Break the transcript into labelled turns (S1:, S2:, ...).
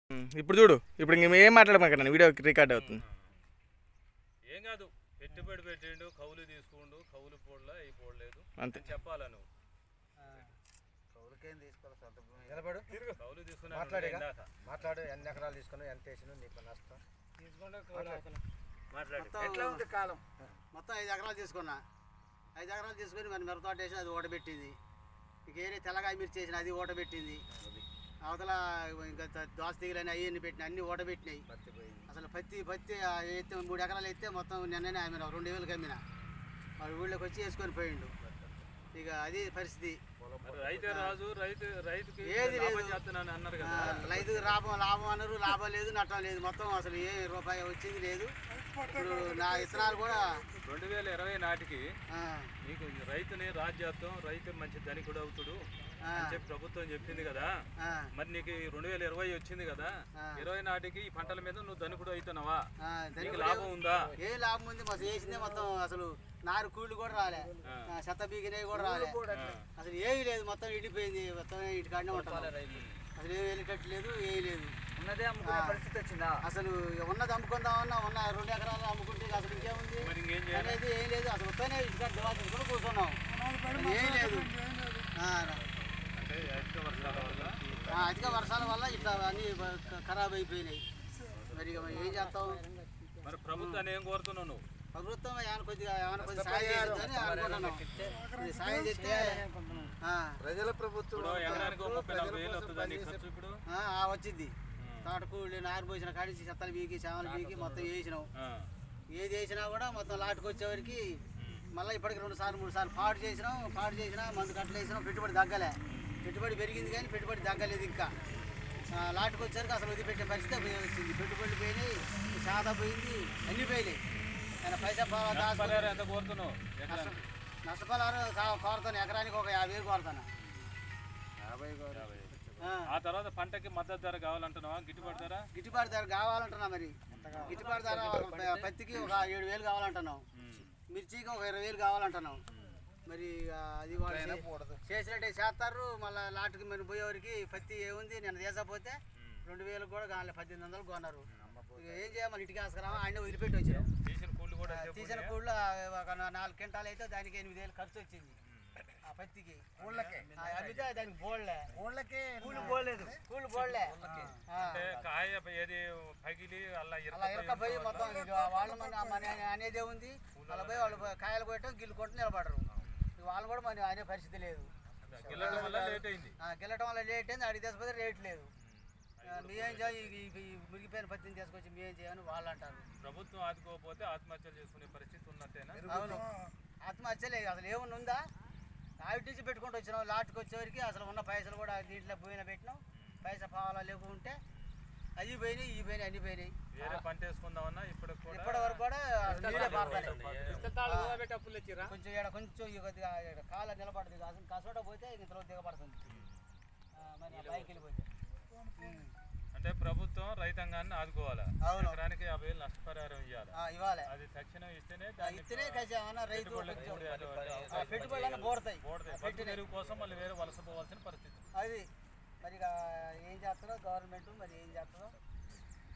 S1: ఇప్పుడు చూడు, ఇప్పుడు ఇంక ఏం మాట్లాడమాకన్నా, వీడియో రికార్డ్ అవుతుంది.
S2: ఏం కాదు, పెట్టుబడి పెట్టిండు, కౌలు తీసుకుండు, కౌలు పోడలా ఈ పోడలేదు
S1: అంతే
S2: చెప్పాలా నువ్వు.
S3: కౌలుకేం తీసుకోవాలి, సొంత భూమి నిలబడు,
S2: కౌలు తీసుకున్నా
S3: మాట్లాడు. ఎన్ని ఎకరాలు తీసుకున్నావు, ఎంత వేసినావు, నీకు నష్టం
S2: మాట్లాడు.
S3: ఎట్లా ఉంది కాలం?
S4: మొత్తం 5 ఎకరాలు తీసుకున్నా. 5 ఎకరాలు తీసుకొని మరి మిరపతోట వేసి అది ఓటబెట్టింది. ఇక ఏరే తెల్లగాయ మిర్చి వేసిన అది ఓటబెట్టింది. అవతల ఇంకా దోస తీగలని అవన్నీ పెట్టిన అన్ని ఓటబెట్టినాయి. అసలు పత్తి ఎత్తే 3 ఎకరాలు ఎత్తే మొత్తం నిన్ననే అమ్మినా, 2000కి అమ్మినా. వాడు ఊళ్ళోకి వచ్చి వేసుకొని పోయిండు. ఇక అది పరిస్థితి.
S2: రైతే రాజు, రైతుకి
S4: ఏది లేదు
S2: అన్నారు కదా.
S4: రైతుకి లాభం అన్నారు, లాభం లేదు, నష్టం లేదు. మొత్తం అసలు ఏ రూపాయి వచ్చింది లేదు. ఇప్పుడు నా విత్తనాలు కూడా
S2: 2020 నాటికి నీకు రైతుని రాజ్యాత్వం, రైతు మంచి ధనికుడు అవుతుడు అని చెప్పి ప్రభుత్వం చెప్పింది కదా. మరి నీకు 2020 వచ్చింది కదా, 20 నాటికి ఈ పంటల మీద నువ్వు ధనికుడు అవుతున్నావా? నీకు లాభం ఉందా?
S4: ఏ లాభం ఉంది? మొత్తం వేసిందే మొత్తం అసలు నారు కూళ్ళు కూడా రాలే, చెత్త బీగినవి కూడా రాలే, అసలు ఏమీ లేదు. మొత్తం ఇడిపోయింది, మొత్తం ఇటుకాడనే ఉంటాం. అసలు ఏమి వెళ్ళేటట్లేదు, ఏమీ లేదు.
S3: ఉన్నదే అమ్ముకునే పరిస్థితి వచ్చిందా?
S4: అసలు ఉన్నది అమ్ముకుందామన్నా, ఉన్న 2 ఎకరాలు అమ్ముకుంటే అసలు ఇంకేముంది అనేది ఏం లేదు. అసలు వస్తేనే ఇటుకాడ దివాళీ కూడా కూర్చున్నాం, ఏం లేదు. అధిక వర్షాల వల్ల ఇట్లా అన్నీ ఖరాబ్ అయిపోయినాయి. మరి ఏం చేస్తాం?
S2: మరి ప్రభుత్వాన్ని ఏం కోరుతున్నావు నువ్వు?
S4: ప్రభుత్వం ఏమైనా కొద్దిగా సాయం చేస్తుందని అనుకుంటున్నాం. సాయం చేస్తే
S3: ప్రజల ప్రభుత్వం
S4: వచ్చింది. తోటకూళ్ళు నారు పోసిన కాడిచి చెత్తలు బీకి, చేమలు బీకి మొత్తం వేసినాం. ఏది వేసినా కూడా మొత్తం లాటుకు వచ్చేవరకు మళ్ళీ ఇప్పటికి 2 సార్లు 3 సార్లు పాడు చేసినా మందు కట్టలు వేసినాం. పెట్టుబడి తగ్గలే. పెట్టుబడి పెరిగింది కానీ పెట్టుబడి తగ్గలేదు. ఇంకా లాటుకు వచ్చేసరికి అసలు వదిలిపెట్టే పరిస్థితి వచ్చింది. పెట్టుబడులు పోయినాయి, సాదా పోయింది, అన్నీ పోయినాయి. ఆయన పైసా
S2: ఎంత కోరుతున్నావు?
S4: నష్టపరిహారం కోరుతాను. ఎకరానికి ఒక 50,000 కోరుతాను.
S3: 50
S2: ఆ తర్వాత పంటకి మద్దతు ధర కావాలంటున్నావా?
S4: గిట్టుబాటు ధర కావాలంటున్నా. మరి గిట్టుబాటు ధర పత్తికి ఒక 7,000 కావాలంటున్నాం. మిర్చికి ఒక 20,000 కావాలంటున్నాం. మరి అది వాళ్ళు చేసినట్టే చేస్తారు. మళ్ళీ లాట్కి మరి పోయేవారికి పత్తి ఏముంది, నేను తీసపోతే 2,000 కూడా కావాలి, 1,800 కొన్నారు. ఇక ఏం చేయాలి? ఇంటికి వేసుకురామా, ఆయన వదిలిపెట్టి వచ్చాం. తీసిన కూళ్ళు ఒక 4 క్వింటాలు అయితే దానికి 8,000 ఖర్చు వచ్చింది. ఆ పత్తికి అమ్మితే దానికి బోళ్ళే, కూళ్ళు బోళ్ళే అలా ఇరకపోయి మొత్తం వాళ్ళు మన అనేదే ఉంది. అలా పోయి వాళ్ళు కాయలు కొట్టడం, గిల్లు కొట్టి నిలబడరు. వాళ్ళు కూడా మన అనే పరిస్థితి లేదు. గిల్లటం వల్ల లేట్ అయింది. అడిగి తీసుకపోతే రేట్ లేదు. మేమేం చేయాలి? మురిగిపోయిన పత్తిని తీసుకొచ్చి మేమేం చేయాలని వాళ్ళు అంటారు.
S2: ప్రభుత్వం ఆదుకోకపోతే ఆత్మహత్యలు చేసుకునే పరిస్థితి ఉన్నట్టేనా?
S4: అవును, ఆత్మహత్యలే. అసలు ఏమన్నా ఉందా? ఆవిటి నుంచి పెట్టుకుంటూ వచ్చినాం. లాట్కి వచ్చేవరకు అసలు ఉన్న పైసలు కూడా దీంట్లో పోయినా పెట్టినాం. పైసా పావాలా లేకుంటే అవి పోయినాయి, ఇవి పోయినాయి, అన్ని పోయినాయి.
S2: వేరే పంట వేసుకుందామన్నా ఇప్పటి
S4: వరకు కూడా కొంచెం కొద్దిగా కాళ్ళ నిలబడుతుంది. కసోట పోతే ఇంతలో దిగబడుతుంది. మరి పైకి వెళ్ళిపోతే
S2: అంటే ప్రభుత్వం రైతాంగాన్ని ఆదుకోవాలా? ఎకరానికి 50,000 నష్టపరిహారం ఇవ్వాలి. అది తక్షణం ఇస్తేనే
S4: పెట్టుబడులు పోడతాయి.
S2: పెట్టుబడి కోసం మళ్ళీ వేరే వలస పోవాల్సిన పరిస్థితి.
S4: అది మరి ఏం చేస్తారో గవర్నమెంట్, మరి ఏం చేస్తారో